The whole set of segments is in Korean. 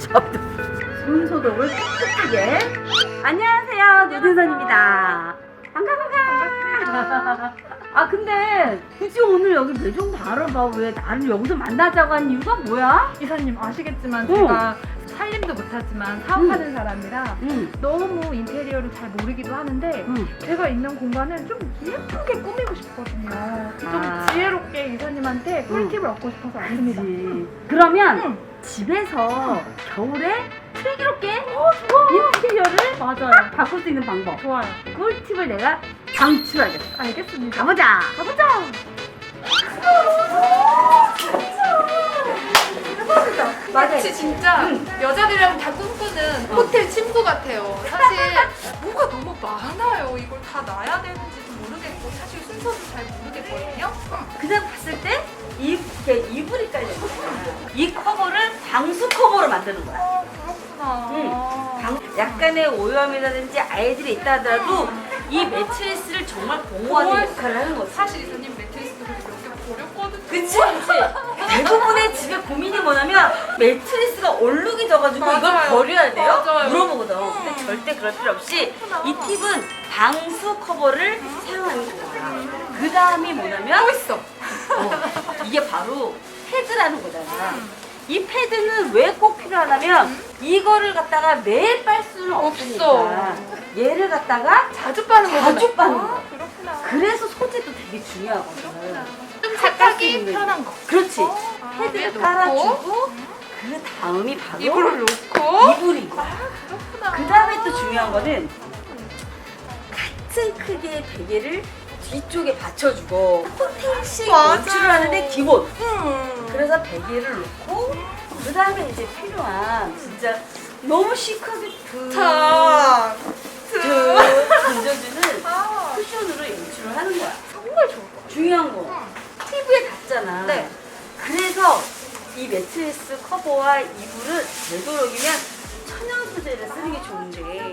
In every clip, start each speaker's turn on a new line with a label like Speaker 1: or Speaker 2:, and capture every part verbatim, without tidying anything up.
Speaker 1: 손소독을 깨끗하게. 안녕하세요, 노준선입니다. 반가 반가. 아 근데 굳이 오늘 여기 매종 바라봐. 왜 나를 여기서 만나자고 한 이유가 뭐야?
Speaker 2: 이사님 아시겠지만
Speaker 1: 응.
Speaker 2: 제가 살림도 못하지만 사업하는
Speaker 1: 응.
Speaker 2: 사람이라
Speaker 1: 응.
Speaker 2: 너무 인테리어를 잘 모르기도 하는데
Speaker 1: 응.
Speaker 2: 제가 있는 공간을 좀 예쁘게 꾸미고 싶거든요. 좀
Speaker 1: 아.
Speaker 2: 지혜롭게 이사님한테 꿀팁을 얻고 싶어서 왔습니다.
Speaker 1: 그치. 그러면
Speaker 2: 응.
Speaker 1: 집에서 겨울에 슬기롭게
Speaker 2: 어, 좋아.
Speaker 1: 인테리어를
Speaker 2: 맞아요.
Speaker 1: 바꿀 수 있는 방법.
Speaker 2: 좋아요.
Speaker 1: 꿀팁을 내가 방출하겠어.
Speaker 2: 알겠습니다.
Speaker 1: 가보자.
Speaker 2: 가보자.
Speaker 3: 마치 진짜
Speaker 1: 응.
Speaker 3: 여자들이랑 다 꿈꾸는 호텔 침구 같아요. 사실 뭐가 너무 많아요. 이걸 다 놔야 되는지도 모르겠고 사실 순서도 잘 모르겠거든요.
Speaker 1: 그냥 봤을 때 이, 이렇게 이불이 깔려있잖아. 이 커버를 방수 커버로 만드는 거야.
Speaker 3: 아 그렇구나.
Speaker 1: 응. 방- 약간의 오염이라든지 아이들이 있다 하더라도 이 매트리스를 정말 보호하는
Speaker 3: 보호할
Speaker 1: 역할을 하는 거지.
Speaker 3: 사실 이사님 매트리스도 그래서 몇 개 버렸거든요.
Speaker 1: 그치? 그치? 대부분의 집에 고민이 뭐냐면 매트리스가 얼룩이 져가지고 이걸
Speaker 3: 맞아요.
Speaker 1: 버려야 돼요?
Speaker 3: 맞아요.
Speaker 1: 물어보거든. 근데 절대 그럴 필요 없이 이 팁은 방수 커버를 사용하는 거야. 그 다음이 뭐냐면
Speaker 3: 또 있어.
Speaker 1: 어, 이게 바로 패드라는 거잖아. 이 패드는 왜 꼭 필요하냐면 이거를 갖다가 매일 빨 수는 없으니까
Speaker 3: 없어.
Speaker 1: 얘를 갖다가
Speaker 3: 자주 빠는 거구나.
Speaker 1: 자주 빠는
Speaker 3: 아,
Speaker 1: 거야.
Speaker 3: 그렇구나.
Speaker 1: 그래서 소재도 되게 중요하거든.
Speaker 3: 좀
Speaker 1: 닦을 수
Speaker 3: 세탁이
Speaker 1: 있는
Speaker 3: 편한 거.
Speaker 1: 그렇지.
Speaker 3: 아,
Speaker 1: 패드를
Speaker 3: 위에 놓고,
Speaker 1: 깔아주고 그 다음이 바로
Speaker 3: 이불을 놓고.
Speaker 1: 이불인 거야.
Speaker 3: 그렇구나.
Speaker 1: 그 다음에 또 중요한 거는 같은 크기의 베개를 뒤쪽에 받쳐주고 호텔식
Speaker 3: 맞아요.
Speaker 1: 연출을 하는데 기본.
Speaker 3: 음.
Speaker 1: 그래서 베개를 놓고 그 다음에 이제 필요한 진짜 너무 시크하게 드
Speaker 3: 자,
Speaker 1: 드 던져주는
Speaker 3: 아,
Speaker 1: 쿠션으로 연출을 하는 거야.
Speaker 3: 정말 좋을 것 같아.
Speaker 1: 중요한 거 피부에 닿잖아.
Speaker 3: 네.
Speaker 1: 그래서 이 매트리스 커버와 이불은 되도록이면 천연 소재를 쓰는 게 좋은데.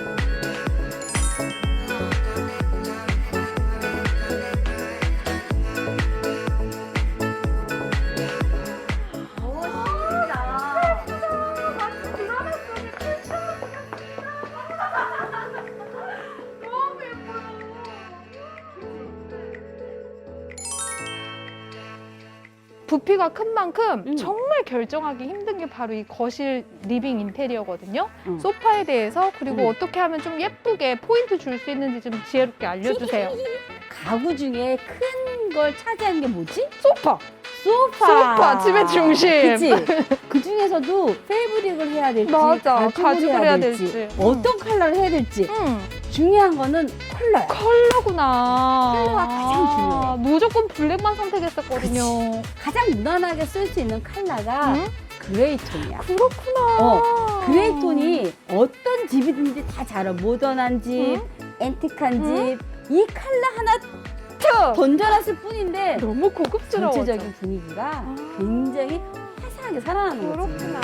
Speaker 2: 부피가 큰 만큼
Speaker 1: 음.
Speaker 2: 정말 결정하기 힘든 게 바로 이 거실 리빙 인테리어거든요.
Speaker 1: 음.
Speaker 2: 소파에 대해서 그리고
Speaker 1: 음.
Speaker 2: 어떻게 하면 좀 예쁘게 포인트 줄 수 있는지 좀 지혜롭게 알려주세요.
Speaker 1: 가구 중에 큰 걸 차지하는 게 뭐지?
Speaker 2: 소파!
Speaker 1: 소파.
Speaker 2: 소파, 집의 중심.
Speaker 1: 그치? 그 중에서도 페이브릭을 해야 될지,
Speaker 2: 맞아,
Speaker 1: 가죽을,
Speaker 2: 가죽을
Speaker 1: 해야,
Speaker 2: 해야
Speaker 1: 될지,
Speaker 2: 될지.
Speaker 1: 어떤 컬러를 해야 될지.
Speaker 2: 음,
Speaker 1: 중요한 거는 컬러야.
Speaker 2: 컬러구나.
Speaker 1: 컬러가 가장 중요해.
Speaker 2: 무조건 블랙만 선택했었거든요.
Speaker 1: 가장 무난하게 쓸 수 있는 컬러가
Speaker 2: 음?
Speaker 1: 그레이 톤이야.
Speaker 2: 그렇구나.
Speaker 1: 어, 그레이 톤이 어떤 집이든지 다 잘 어울려. 모던한 집, 앤틱한
Speaker 2: 음?
Speaker 1: 집. 이 컬러 하나 던져놨을 뿐인데
Speaker 2: 너무 고급스러워.
Speaker 1: 전체적인 분위기가
Speaker 2: 아.
Speaker 1: 굉장히 화사하게 살아나는 거지.
Speaker 2: 그렇구나.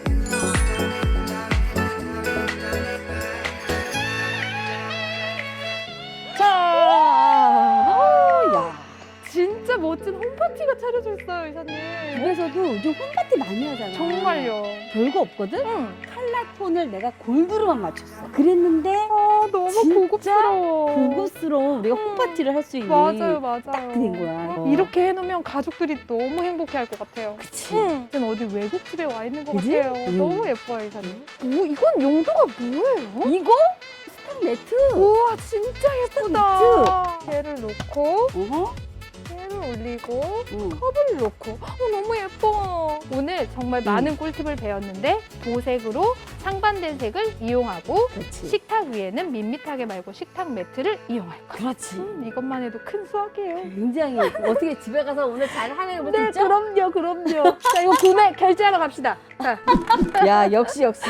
Speaker 1: 자, 어, 야.
Speaker 2: 진짜 멋진 홈파티가 차려져 있어요, 이사님.
Speaker 1: 집에서도 요즘 홈파티 많이 하잖아.
Speaker 2: 정말요.
Speaker 1: 별거 없거든?
Speaker 2: 응.
Speaker 1: 컬러 톤을 내가 골드로만 맞췄어. 그랬는데
Speaker 2: 아, 너무
Speaker 1: 진짜
Speaker 2: 고급스러워.
Speaker 1: 고급스러운 우리가
Speaker 2: 음.
Speaker 1: 홈파티를 할 수 있는
Speaker 2: 맞아요, 맞아요.
Speaker 1: 딱 된 거야. 어.
Speaker 2: 이렇게 해놓으면 가족들이 너무 행복해할 것 같아요.
Speaker 1: 그치.
Speaker 2: 응. 지금 어디 외국 집에 와 있는 것
Speaker 1: 그지?
Speaker 2: 같아요.
Speaker 1: 음.
Speaker 2: 너무 예뻐요, 이사님. 오, 이건 용도가 뭐예요?
Speaker 1: 이거 스탁 매트.
Speaker 2: 우와, 진짜 예쁘다. 얘를 놓고,
Speaker 1: 어허.
Speaker 2: 얘를 올리고,
Speaker 1: 응.
Speaker 2: 컵을 놓고. 어, 너무 예뻐. 오늘 정말
Speaker 1: 음.
Speaker 2: 많은 꿀팁을 배웠는데, 보색으로 상반된 색을 이용하고,
Speaker 1: 그렇지.
Speaker 2: 식탁 위에는 밋밋하게 말고 식탁 매트를 이용할 거.
Speaker 1: 그렇지.
Speaker 2: 음, 이것만 해도 큰 수학이에요.
Speaker 1: 굉장히 어떻게 집에 가서 오늘 잘 하는 거
Speaker 2: 네,
Speaker 1: 있죠?
Speaker 2: 그럼요, 그럼요. 자, 이거 구매 결제하러 갑시다. 자,
Speaker 1: 야, 역시 역시.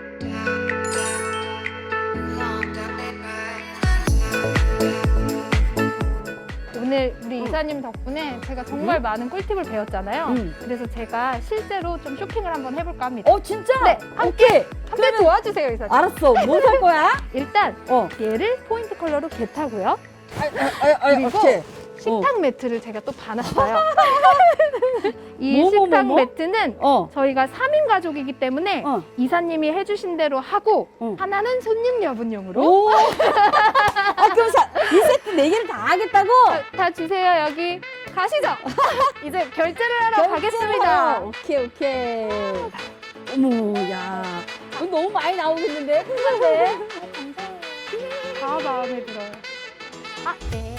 Speaker 2: 오늘 우리 이사님 덕분에 제가 정말 많은 꿀팁을 배웠잖아요.
Speaker 1: 응.
Speaker 2: 그래서 제가 실제로 좀 쇼핑을 한번 해볼까 합니다.
Speaker 1: 어, 진짜?
Speaker 2: 네,
Speaker 1: 오케이.
Speaker 2: 함께 도와주세요, 이사님.
Speaker 1: 알았어. 뭐 살 거야?
Speaker 2: 일단
Speaker 1: 어.
Speaker 2: 얘를 포인트 컬러로 개타고요.
Speaker 1: 아, 아, 아,
Speaker 2: 그리고
Speaker 1: 오케이.
Speaker 2: 식탁 매트를 제가 또 봐놨어요. 이
Speaker 1: 뭐, 뭐,
Speaker 2: 식탁
Speaker 1: 뭐, 뭐?
Speaker 2: 매트는
Speaker 1: 어.
Speaker 2: 저희가 삼 인 가족이기 때문에
Speaker 1: 어.
Speaker 2: 이사님이 해주신 대로 하고
Speaker 1: 어.
Speaker 2: 하나는 손님 여분용으로
Speaker 1: 오. 아, 그럼 사, 이 세트 네 개를 다 하겠다고?
Speaker 2: 다, 다 주세요. 여기 가시죠. 이제 결제를 하러 가겠습니다.
Speaker 1: 오케이, 오케이. 어머, 야. 이거 너무 많이 나오겠는데? 큰건데?
Speaker 2: 다 마음에 들어요. 아, 네.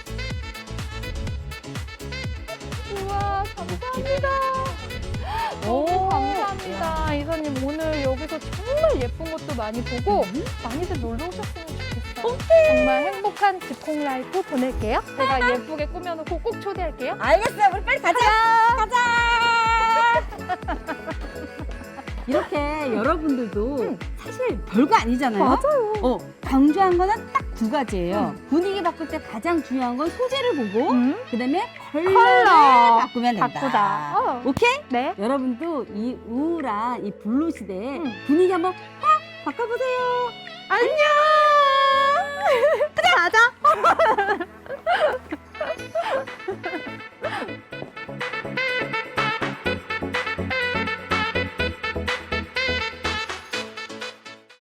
Speaker 2: 우와, 감사합니다. 너무 감사합니다. 이사님, 오늘 여기서 정말 예쁜 것도 많이 보고 많이들 놀러 오셨으면 좋겠어요. 정말 행복한 집콕 라이프 보낼게요. 제가 예쁘게 꾸며놓고 꼭 초대할게요.
Speaker 1: 알겠어요. 우리 빨리 가자. 가자. 이렇게 여러분들도 사실 별거 아니잖아요.
Speaker 2: 맞아요.
Speaker 1: 어, 강조한 거는 딱 두 가지예요. 분위기 바꿀 때 가장 중요한 건 소재를 보고
Speaker 2: 음?
Speaker 1: 그다음에 컬러를
Speaker 2: 컬러.
Speaker 1: 바꾸면 된다.
Speaker 2: 바꾸자. 어.
Speaker 1: 오케이?
Speaker 2: 네.
Speaker 1: 여러분도 이 우울한 이 블루 시대에
Speaker 2: 음.
Speaker 1: 분위기 한번 확 바꿔보세요.
Speaker 2: 안녕!